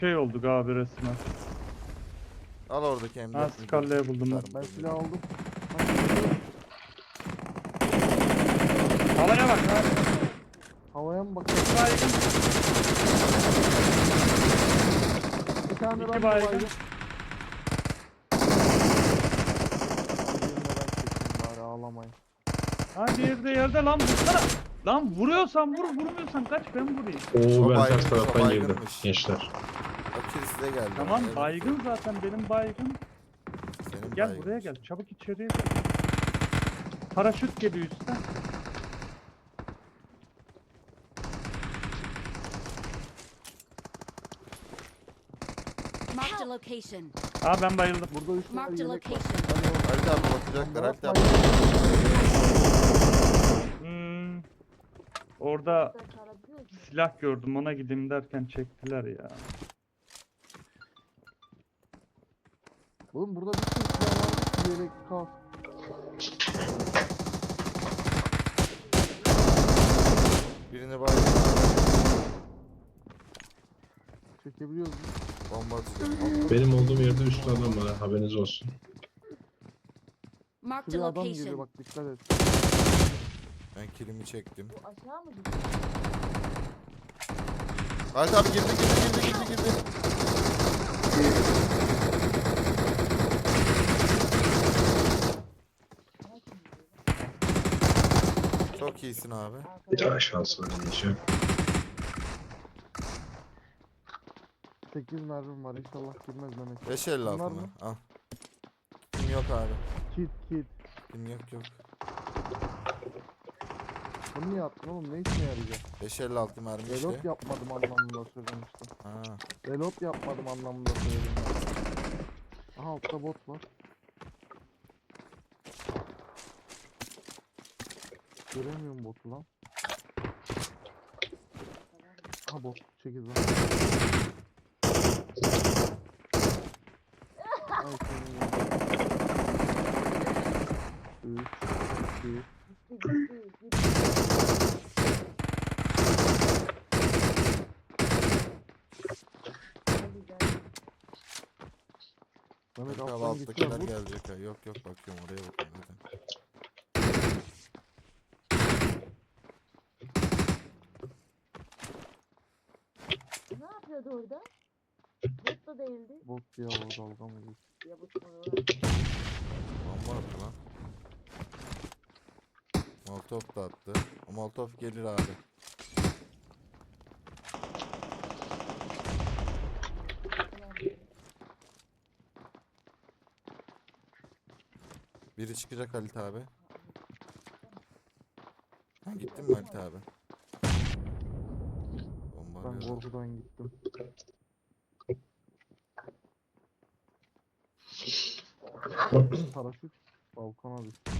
Şey oldu abi resmen. Al oradaki Ha M4'ünü. Scarlet'i buldum ben. Ben silah aldım. Havaya bak ha. Havaya mı bakıyorum? Baygın. Bir tane İki ben baygın. baygın. Bari ağlamayın. Ha diğeri de yerde lan vursana. Lan vuruyorsan vur, vurmuyorsan kaç ben vurayım. Oo O ben baygınmış, ters o taraftan girdim baygınmış. gençler. O kill size geldi. Tamam Evet, baygın zaten benim baygın. senin Gel baygın. buraya gel çabuk içeriye gel. Paraşüt geliyor üstten. Marked a location. Aa ben bayıldım. Burada 3 tane Marked a yelek var. location. Halit abi bakacaklar. Halit abi. Hmm. Orada silah gördüm ona gideyim derken çektiler ya. Oğlum burada bir sürü silah var. Yelek kal. Birini baygın. Çekebiliyoruz. Bomba atacağım. Benim olduğum yerde üstü adam var, haberiniz olsun. Marked a Şuraya adam geliyor location. bak dikkat et. Ben killimi çektim. Aşağı mı gidiyor? Halit abi girdi. Çok iyisin abi. Bir daha şans oynayacağım. 8 mermim var inşallah girmez Mehmet. 5.56 Bunlar mı? mı? Al. Kim yok abi. Kit. Kim yok. Bunu niye attın oğlum ne işine yarayacak? 5.56 mermi işte. Reload yapmadım anlamında söylemiştim. Ha. Reload yapmadım anlamında söyledim. Aha altta bot var. Göremiyorum botu lan. Aha bot 8 lan. Ay senin ya. 3 2 Mehmet Halit abi alttan alttakiler geçiyor bu. gelecek ha. Yok bakıyorum oraya bakıyorum zaten. Ne yapıyordu orada? Bot da değildi. Bot ya o dalga mı geçti? Ya bu sonra. Bomba attı lan. Molotov da attı. O Molotov gelir abi. Biri çıkacak Halit abi. Ha, gittin mi Halit abi? Bomba Ben arıyor. korkudan gittim. Paraşüt balkona düştü.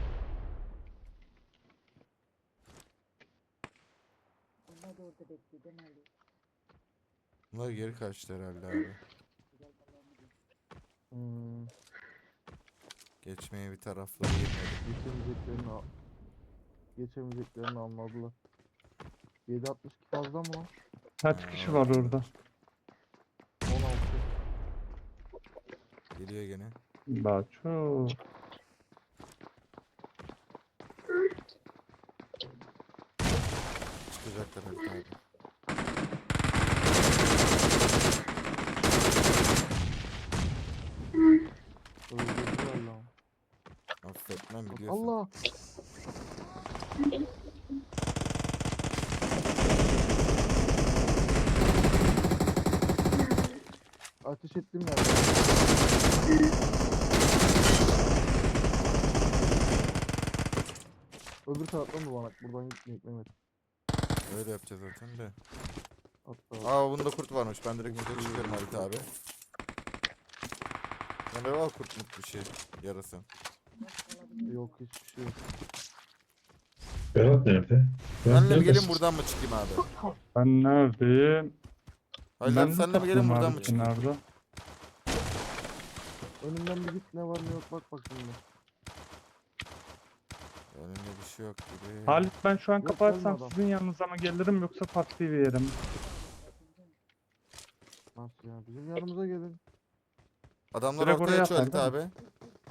Onlar da orada bekliyor değil mi Ali? Bunlar geri kaçtı herhalde abi. Hmm, Geçmeye bir tarafları yemedi. geçemeyeceklerini anladılar. 7.62 fazla mı lan? Kaç kişi var orada? 16. Geliyor gene. Daha çok. Çıkacaklar Halit abi. Öldürdüler lan. Affetmem biliyorsun. Allah! Ateş ettim ya. Öbür taraftan dolanak. Buradan gitmeyek Mehmet. Öyle yapacağız zaten de. Hatta Aa bunda kurt varmış. Ben direkt yukarı çıkarım Halit abi. Ne var kurtmuş bir şey. Yarası. yok hiçbir şey yok. Berat nerede? Berat Senle mi gelin neredesin? buradan mı çıkayım abi? Ben neredeyim? Halit Ben abi senle mi gelin buradan mı çıkayım? Nerede? Önümden bir git ne var ne yok bak bakayım. Önümde bir şey yok gibi. Halit ben şu an Yok, kapatsam gelme adam. sizin yanınıza mı gelirim yoksa farklı bir yere mi? Nasıl ya? Bizim yanımıza gelin. Adamlar Direkt ortaya oraya açıyor atar, Halit değil abi.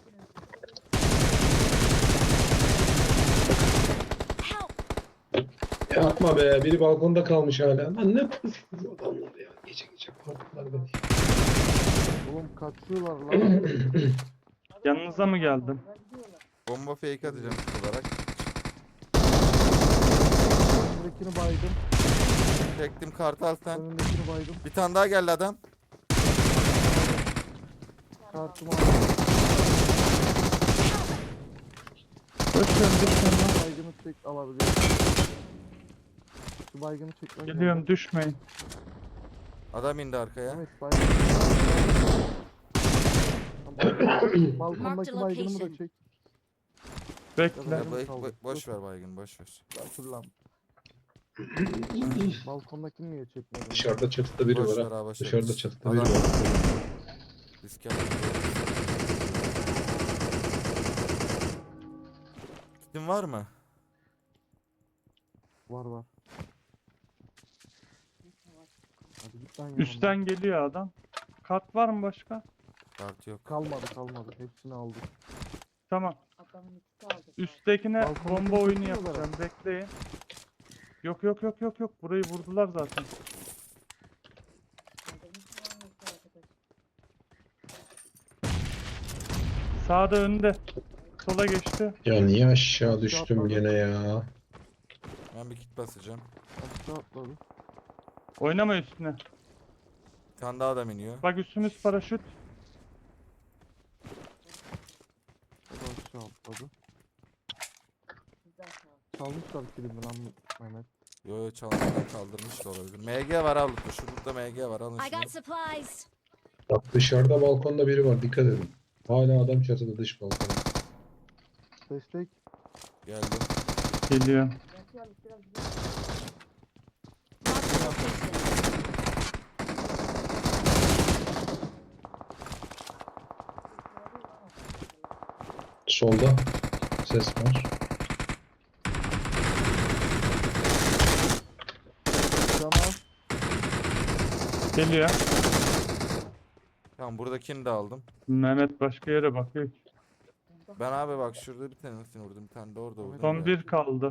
Ya atma be. Biri balkonda kalmış hala. Lan ne yapıyorsunuz adamlar ya? Gece gece korktular beni. Oğlum kaçıyorlar lan. Yanınıza mı geldim? Bomba fake atacağım ilk olarak. Önündekini baydım. Çektim kartal sen. Önündekini baydım. Bir tane daha geldi adam. Kartımı aldım. Koşuyorum düşmeyin. Baygını çek alabiliyorum. Şu baygını çekmen Geliyorum düşmeyin. Adam indi arkaya. Evet baygın. Balkondaki baygınımı da çek. Bekle. Ya, Baygın kaldı. boş ver baygın boş ver. Dur lan. Balkondakini niye çekmedin? Dışarıda çatıda biri Boş var ver ha. abi, boş ver. Dışarıda çatıda biri Adam- var. Risk yapma. Kitin var mı? Var var. Hadi git lan yanımdan. Üstten geliyor adam. Kart var mı başka? Kart yok. Kalmadı. Hepsini aldık. Tamam. Adamın ikisi aldı. Üsttekine Balkondaki bomba oyunu çekiyorlar yapacağım. Bekleyin. Yok. Burayı vurdular zaten. Adamın ikisi hangisi arkadaş? Sağda önde. Sola geçti. Ya niye aşağı Aşağı düştüm atladı. gene ya? Ben bir kit basacağım. Aşağı atladı. Oynama üstüne. Bir tane daha adam iniyor. Bak üstümüz paraşüt. O da aşağı atladı. Güzel sağ ol. Çalmışlar kilimi lan Mehmet. Yo çalmadan kaldırmış da olabilir. MG var abi. Şurada MG var alın I şunu. got supplies. Bak dışarıda balkonda biri var. Dikkat edin. Hala adam çatıda dış balkonda. Destek. Geldim. Geliyor. Yatıyor biraz Marked a location. Solda ses var. Can al. Geliyor. Tamam buradakini de aldım. Mehmet başka yere bakıyor. Ben abi bak şurada bir tanesini vurdum. Bir tane de orada vurdum. Son ya. bir kaldı.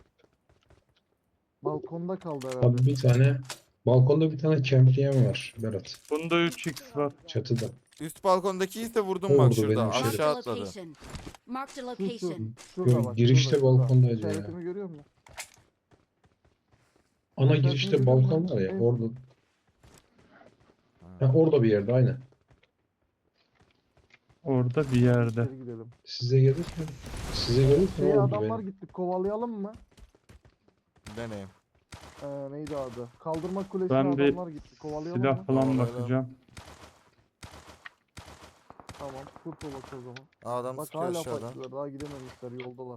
Balkonda kaldı herhalde. Abi bir tane balkonda bir tane kempriyen var Berat. Bunda 3x var. Çatıda. Üst balkondaki ise vurdum O bak vurdu şurada. benim Marked şeyde. Aşağı a atladı. location. Marked a Şu, şu. location. Şurada bak. girişte şurada. balkondaydı ya. İşaretimi görüyor musun? Ana İşaretini girişte görüyor balkon musun? var ya Evet. orada. Ha, orada bir yerde aynen. Orada bir yerde. İçeri gidelim. Size gelirken Size gelirken Şeye oldu adamlar benim. gitti. Kovalayalım mı? Deneyim. Neydi adı? Kaldırma kulesine Ben bir adamlar gitti. Kovalayalım Silah mı? falan Kovalayalım. bakacağım. Tamam. Kurt olak o zaman. Aa, adam Bak sıkıyor hala aşağıdan. patlıyorlar. Daha gidememişler. Yoldalar.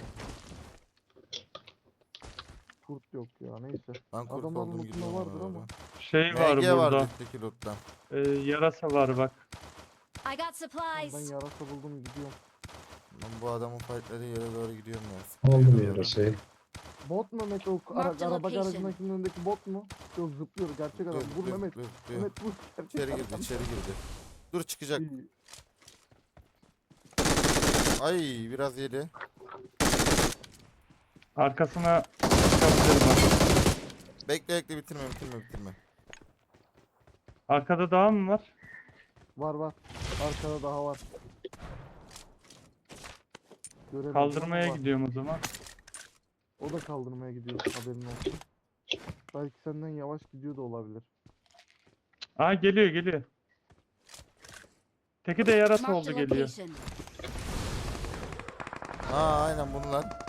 Kurt yok ya. Neyse. Ben kurt Adamların oldum lootunda gidiyorum vardır ona ama. doğru. Şey var MG var burada. üstteki loot'tan. Yarasa var bak. I got Ben supplies. yarasa buldum gidiyorum. Ben bu adamın fightladığı yere doğru gidiyorum ya. Aldım Sıkıyor doğru. yarasayı. Bot mu Mehmet o Marked araba location. garajındakinin önündeki bot mu? Yok zıplıyor gerçek adam. Vur Mehmet. dur. Mehmet vur. Gerçek İçeri adam. girdi içeri girdi. Dur çıkacak. İyi. Ay biraz yedi. Arkasına çıkabilirim bak. Bekle bitirme. Arkada daha mı var? Var. Arkada daha var. Görelim. Kaldırmaya Var. gidiyorum o zaman. O da kaldırmaya gidiyor haberin olsun. Belki senden yavaş gidiyor da olabilir. Aa geliyor. Teki de yarasa Marked oldu a geliyor. location. Aa aynen bunlar.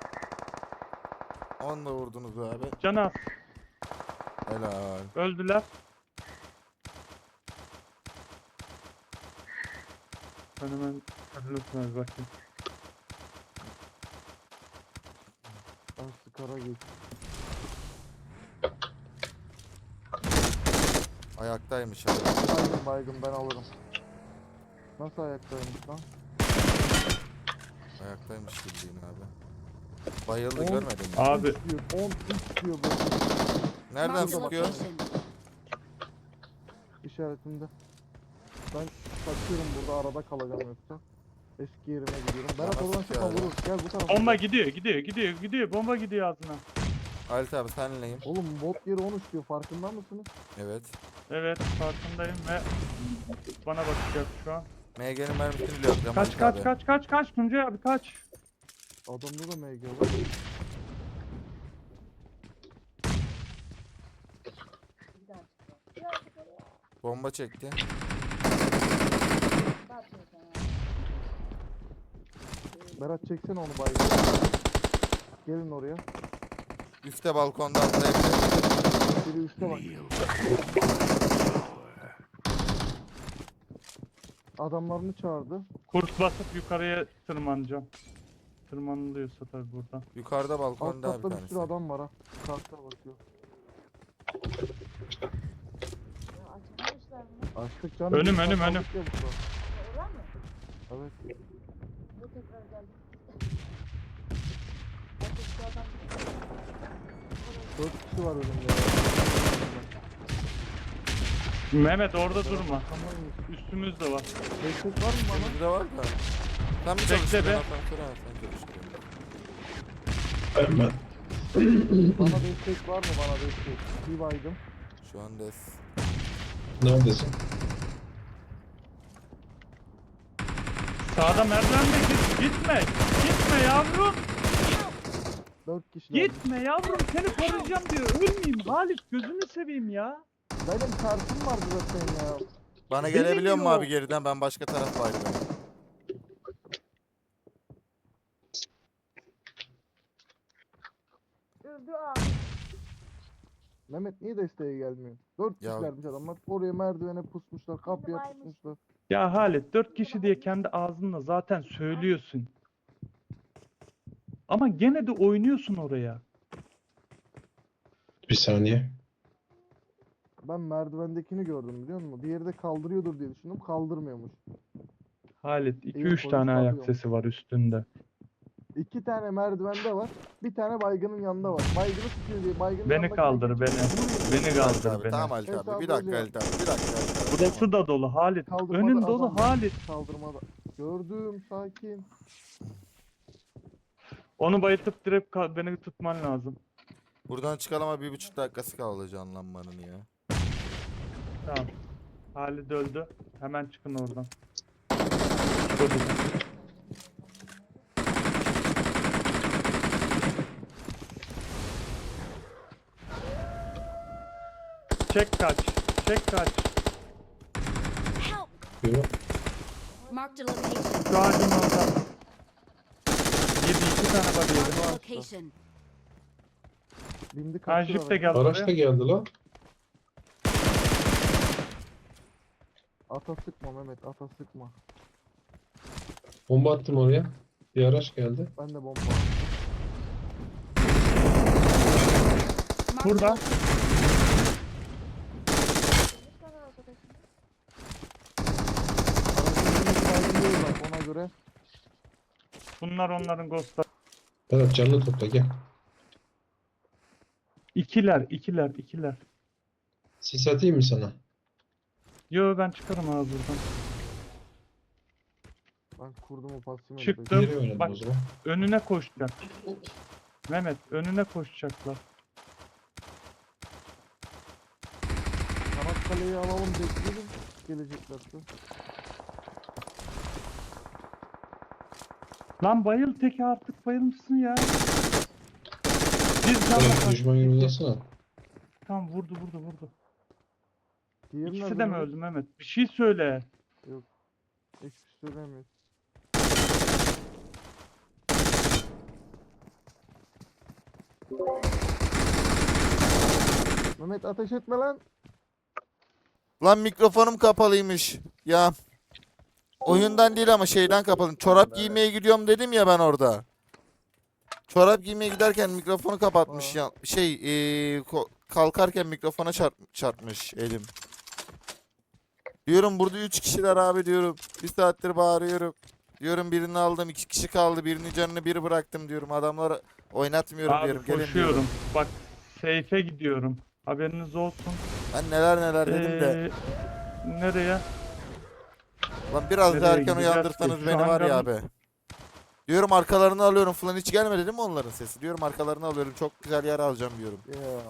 Onu da vurdunuz abi. Canaz Helal. öldüler. Ben hemen lütfen bakayım. Ben skara geç. Ayaktaymış abi. Baygın ben alırım. Nasıl ayaktaymış lan? Ayaktaymış bildiğin abi. Bayıldı On- görmedin mi? Abi 10 diyor bu. Nereden Marked a sıkıyor? location. işaretinde. Ben kaçıyorum burada, arada kalacağım yoksa. Eski yerime gidiyorum. Berat Nasıl oradan çıkma, yani? vurur. Gel bu tarafa. Bomba gel. gidiyor. Bomba gidiyor ağzına. Halit abi senleyim. Oğlum bot yeri 13 diyor, farkında mısınız? Evet. Evet farkındayım ve bana bakacak şu an. MG'nin mermisini bile yapacağım Kaç Halit kaç abi. kaç Tuncay abi kaç. Adamda da MG var. Bir daha çıkıyor. Biraz yukarıya. Bomba çekti. Ne yapıyorsun sen ya? Berat çeksene onu baygın. Gelin oraya. Üste balkonda atlayabilir. Biri üstte bak. Adamlarını çağırdı. Kurt basıp yukarıya tırmanacağım. Tırmanılıyorsa tabii buradan. Yukarıda Alt balkonda bir katta bir tanesi. sürü adam var ha. Kartta bakıyor. Ya açmamışlar mı? Açtık canım. Önüm, biz önüm, kaldık önüm. ya burada. Oradan mı? Evet. Bu tekrar geldi. Artık şu adam... 4 kişi var önümde. Mehmet orada durma. Tamam. Üstümüzde var. Destek var mı bana? Önümüzde var da. Sen bir Bekle çalıştır be. ben asansöre al, sen çalıştır. Ben Bana destek var mı, bana destek? Bir baydım. Şu an des. neredesin? Sağda merdivende gitme. Gitme yavrum. 4 kişiler. Gitme yavrum. Seni koruyacağım diyor. Ölmeyeyim. Halit gözünü seveyim ya. Benim kartım vardı zaten ya. Bana Beni gelebiliyor mu diyor. abi geriden? Ben başka taraf baydım. Öldü abi. Mehmet niye desteğe gelmiyor? 4 Ya- kişilermiş adamlar. Oraya merdivene pusmuşlar, kapıya varmış. pusmuşlar. Ya Halit 4 kişi diye kendi ağzınla zaten söylüyorsun. Ama gene de oynuyorsun oraya. Bir saniye. Ben merdivendekini gördüm biliyor musun? Diğeri de kaldırıyordur diye düşündüm. Kaldırmıyormuş. Halit İyi 2-3 polis tane ayak bakıyor. sesi var üstünde. 2 tane merdivende var. Bir tane baygının yanında var. Baygını tutuyor diye baygının Beni yanındakine kaldır geçiyor. beni. Vuruyor. Beni Halit kaldır abi. beni. Tamam Halit Hesabı abi. Bir dakika öyle Halit abi. Bir dakika Halit abi. Burası da dolu Halit. Kaldırmada Önün adam dolu var. Halit. Kaldırmada. Gördüm, sakin. Onu bayıltıp direkt beni tutman lazım. Buradan çıkalım ama 1,5 dakikası kaldı canlanmanın ya. Tamam. Halit öldü. Hemen çıkın oradan. Öldü. Çek kaç. Çek kaç. Help! Yürü. Marked a location. Şu ağacın orada. Yedi 2 tane var Marked yedi. a location. Bindi Ha kaçtı. jip de geldi Araç da oraya. geldi lan. Ata sıkma Mehmet, ata sıkma. Bomba attım oraya. Bir araç geldi. Ben de bomba. Marked a Burada. location. Bir tane arkadaşım. Aracın önüne baygın bak ona göre. Bunlar onların ghostları. Berat canını topla gel. İkiler. Sis atayım mı sana? Yo ben çıkarım abi buradan. Ben kurdum o pasımı. Çıktım. Geri oynayalım Bak. o zaman. Önüne koşacak. Mehmet önüne koşacaklar. Çanakkale'yi alalım, bekleyelim. Geleceklerse. Lan bayıl teki artık bayılmışsın ya. Bir Berat canla düşman yönünü alsana. Tam vurdu. Diğeri İkisi nerede de mi Mehmet? öldü Mehmet? Bir şey söyle. Hiçbir şey söylemiyor. Mehmet ateş etme lan. Lan mikrofonum kapalıymış. Ya. Oyundan değil ama şeyden kapalı. Çorap giymeye gidiyorum dedim ya ben orada. Çorap giymeye giderken mikrofonu kapatmış ya. Kalkarken mikrofona çarpmış elim. Diyorum burada 3 kişiler abi diyorum. Bir saattir bağırıyorum. Diyorum birini aldım, 2 kişi kaldı. Birinin canını bir bıraktım diyorum. Adamları oynatmıyorum Abi diyorum. Gelin koşuyorum. diyorum. Bak seyfe gidiyorum. Haberiniz olsun. Ben neler dedim de. Nereye? Lan biraz daha Nereye erken gideceğiz uyandırsanız ki? Şu beni var ya hangarın- abi. Diyorum arkalarını alıyorum falan, hiç gelmedi değil mi onların sesi? Diyorum arkalarını alıyorum, çok güzel yer alacağım diyorum. Ya.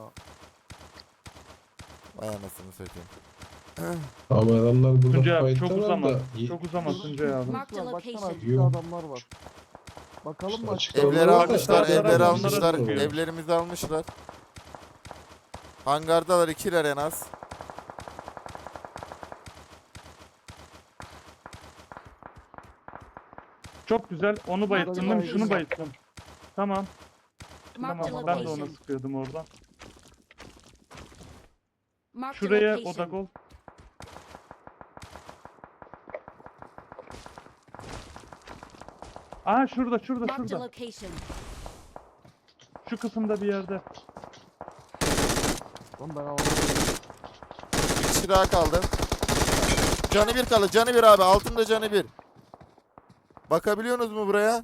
Vay anasını satayım. Ama adamlar burada Tuncay abi çok fight'talar uzama. da. Çok uzama Tuncay abi. Marked a Baksana location. açıkta Yok. adamlar var. Bakalım mı Açıkta açıkta? Evleri Adamlar var da almışlar, sağ evleri taraflara almışlar, sıkıyor. evlerimizi almışlar. Hangardalar, ikiler en az. Çok güzel. Onu bayılttım değil mi? baygın Şunu var. bayılttım. Tamam. Marked a Tamam. Ben de ona location. sıkıyordum oradan. Marked a Şuraya location. odak ol. Aa şurada şurada Marked a şurada. location. Şu kısımda bir yerde. Lan ben alamadım. Bir kişi daha kaldı. Canı bir kaldı, canı bir abi, altında canı bir. Bakabiliyorsunuz mu buraya?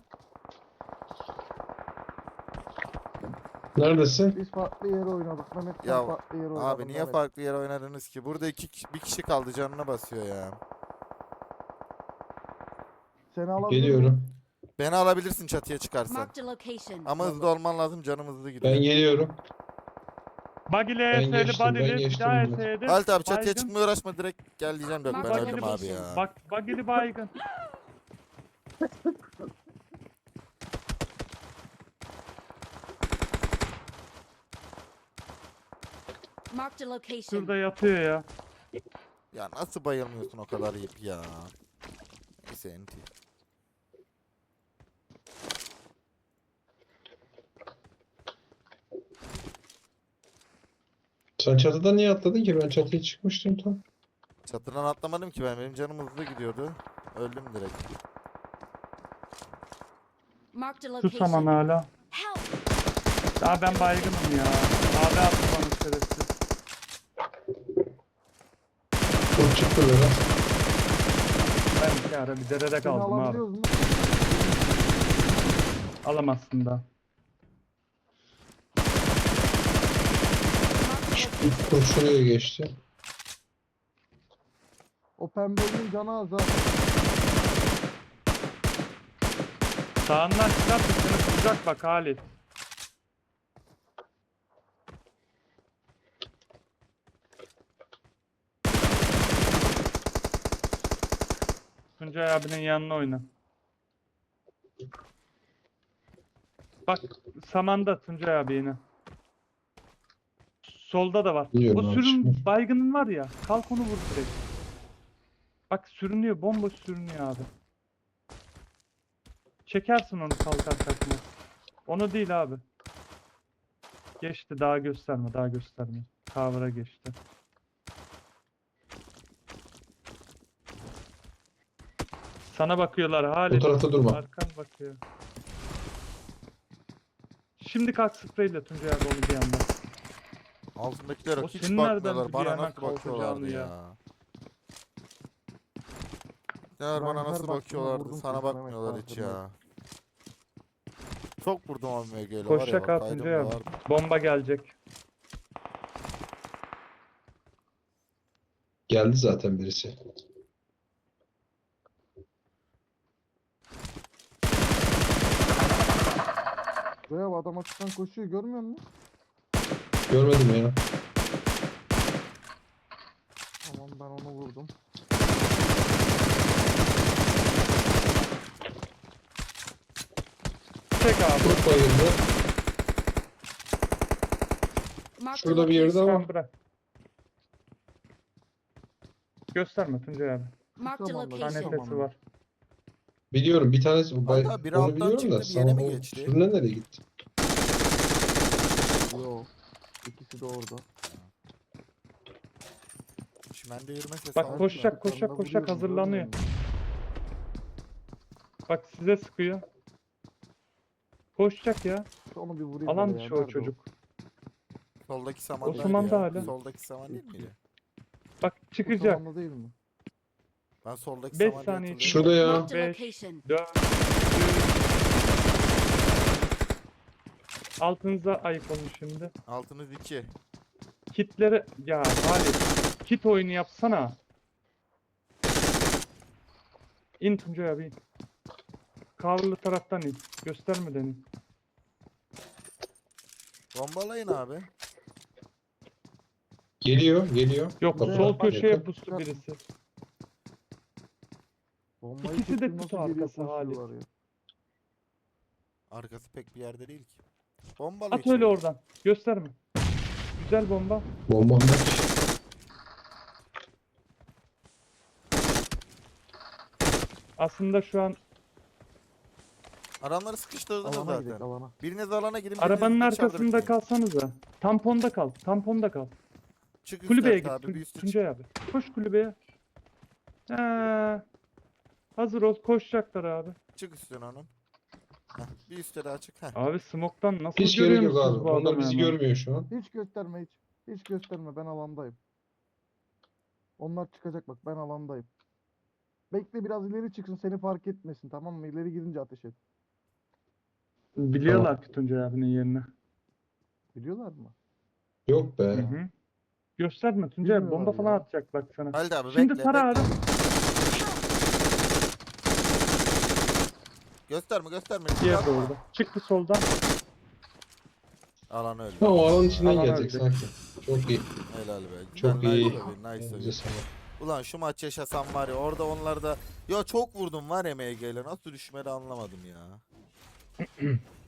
Neredesin? Biz farklı yere oynadık. Mehmet sen Ya, farklı yere oynadın. Abi niye Mehmet. farklı yere oynadınız ki? Burada bir kişi kaldı, canına basıyor ya. Seni alabilir miyim? Geliyorum. Beni alabilirsin çatıya çıkarsan. Marked a location. Ama hızlı olman lazım, canım hızlı gidiyor. Ben geliyorum. Bagile Ben ES'li geçtim, ben badili bir geçtim daha bunu. ES'ydi. Halit abi çatıya Baygın. çıkmaya uğraşma, direkt gel diyeceğim, yok ben Bak, öldüm abi bakayım. ya. Bak bagili baygın. Marked a location. Şurada yatıyor ya. Ya nasıl bayılmıyorsun o kadar yiyip ya. Neyse enti. Sen çatıdan niye atladın ki? Ben çatıya çıkmıştım tam. Çatıdan atlamadım ki ben, benim canım hızlı gidiyordu. Öldüm direkt. Marked a Şu saman location. hala. Help! Daha ben baygınım ya. Abi attı bana şerefsiz. Çok çıktı böyle. Ben bir ara bir derede Seni kaldım abi. alabiliyoruz mu? Alamazsın da. Şuraya geçti. O pembenin canı az ha. Sağından çıkartıp seni tutacak bak Halit. Tuncay abinin yanına oyna. Bak samanda Tuncay abi yine. Solda da var. Biliyorum O abi, sürün çıkmış. baygının var ya. Kalk onu vur direkt. Bak sürünüyor. Bomboş sürünüyor abi. Çekersin onu kalkar kalkmaz. Onu değil abi. Geçti. Daha gösterme. Daha gösterme. Cover'a geçti. Sana bakıyorlar Bu Halit. tarafta durma. Arkan bakıyor. Şimdi kalk spreyle Tuncay abi onu bir yandan. Altındakiler O hiç senin nereden bakmıyorlar. biliyor Bana hemen nasıl bakıyorlardı kalkacağını ya. ya? Neler bana Ben her nasıl baktığımda bakıyorlardı. vurdum Sana kafana, bakmıyorlar Mehmet, hiç farkındayım. ya. Çok vurdum abi MG'yle var ya. Koşacak Bak, ha Tuncay kaydım abi. da var. Bomba gelecek. Geldi zaten birisi. Buraya bak, adam açıktan koşuyor, görmüyor musun? Görmedim ya. Tamam, ben onu vurdum. Çek abi. Çok bayıldı. Marked a Şurada bir yerde location. ama. Tamam bırak. Gösterme Tuncay abi. Marked a Tamam, Daha Tamam. location. nefesi var. Biliyorum bir tanesi Hatta biri onu alttan biliyorum da çıktı, diğerine sana mi o geçti? sürüne nereye gitti? Yo. İkisi de orada. Çimende yürümese Bak sağ ol. koşacak Arkalarında koşacak koşacak vuruyorum, hazırlanıyor. görmüyor musun? Bak size sıkıyor. Koşacak ya. Onu bir vurayım Alan böyle ya, dışı o nerede çocuk. Soldaki saman O değil samanda ya. hala. Soldaki saman değil miydi? Bak O çıkacak. zamanda değil mi? Ben soldaki 5 saman saniye. diye Şurada ya. Marked a 5, location. 4, 3. Altınıza ayık olun şimdi. Altınız 2. Kitleri ya Halit. Kit oyunu yapsana. İn Tuncay abi in. Kavurlu taraftan in. Göstermeden in. Bombalayın abi. Geliyor. Yok Tuncay sol abi, bak, köşeye yakın pustu çıkartma. birisi. Bombayı İkisi de çektim, kutu nasıl geliyor, arkası Halit. koşuyorlar ya. Arkası pek bir yerde değil ki. Bombalı At öyle oradan. Gösterme. Güzel bomba. Bombam var. Aslında şu an Adamları sıkıştırdınız Alana gidelim zaten. alana. Biriniz alana gidin. biriniz arabanın dışarıda arkasında bekleyin. kalsanıza. Tamponda kal. Tamponda kal. Çık Kulübeye üst git. abi. Bir üstü çık. Tuncay abi. Koş kulübeye. Hazır ol. Koşacaklar abi. Çık üstüne onun. Heh, bir üstte daha çık. Heh. Abi smoke'tan nasıl Hiç gerek yok görüyorsunuz abi. bu Onlar adamı bizi hemen? görmüyor şu an. Hiç gösterme hiç. Hiç gösterme, ben alandayım. Onlar çıkacak bak, ben alandayım. Bekle biraz ileri çıksın, seni fark etmesin, tamam mı? İleri gidince ateş et. Biliyorlar ki Tuncay abinin yerini. Biliyorlar mı? Yok be. Hı hı. Gösterme Tuncay abi. Bomba Bilmiyorlar falan ya. atacak bak sana. Halide abi Şimdi bekle. tara bekle. abi. Gösterme. Diğer de orada. Çıktı soldan. Alan öldü. Ha, o alanın içinden Alan gelecek öldü. sanki. Çok iyi. Helal be. Çok Güzel, iyi. Nice be, nice be. Elinize sağlık. Ulan şu maç yaşasam var ya orada onları da. Ya çok vurdum var ya MG'yle. Nasıl düşmedi anlamadım ya.